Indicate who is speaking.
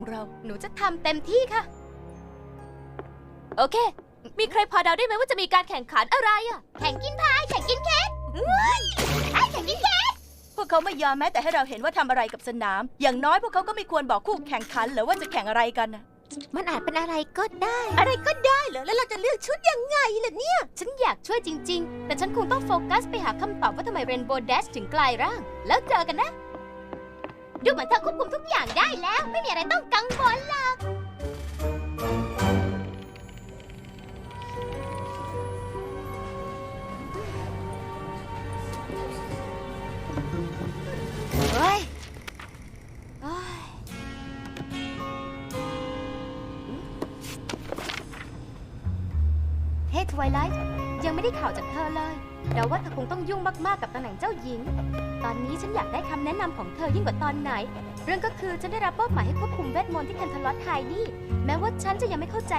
Speaker 1: หนูจะทำเต็มที่ค่ะ โอเค มีใครพอเดาได้ไหมว่าจะมีการแข่งขันอะไรอะแข่งกินพาย แข่งกินเค้กแข่งกินเค้ก
Speaker 2: พวกเขาไม่ยอมแม้แต่ให้เราเห็นว่าทำอะไรกับสนาม อย่างน้อยพวกเขาก็ไม่ควรบอกคู่แข่งขันหรือว่าจะแข่งอะไรกันนะ
Speaker 1: มันอาจเป็นอะไรก็ได้ อะไรก็ได้เหรอ แล้วเราจะเลือกชุดยังไงล่ะเนี่ย ฉันอยากช่วยจริง ๆ แต่ฉันคงต้องโฟกัสไปหาคำตอบว่าทำไมเรนโบว์แดชถึงกลายร่าง แล้วเจอกันนะ ดูเหมือนเธอควบคุมทุกอย่างได้แล้ว ไม่มีอะไรต้องกังวลหรอกเฮ้ยเฮ้ย เฮ้ทไวไลท์ยังไม่ได้ข่าวจากเธอเลยเดาว่าเธอคงต้องยุ่งมากๆกับตำแหน่งเจ้าหญิง ตอนนี้ฉันอยากได้คำแนะนำของเธอยิ่งกว่าตอนไหน เรื่องก็คือฉันได้รับมอบหมายให้ควบคุมเวทมนต์ที่แคนทาลอสไฮนี่ แม้ว่าฉันจะยังไม่เข้าใจ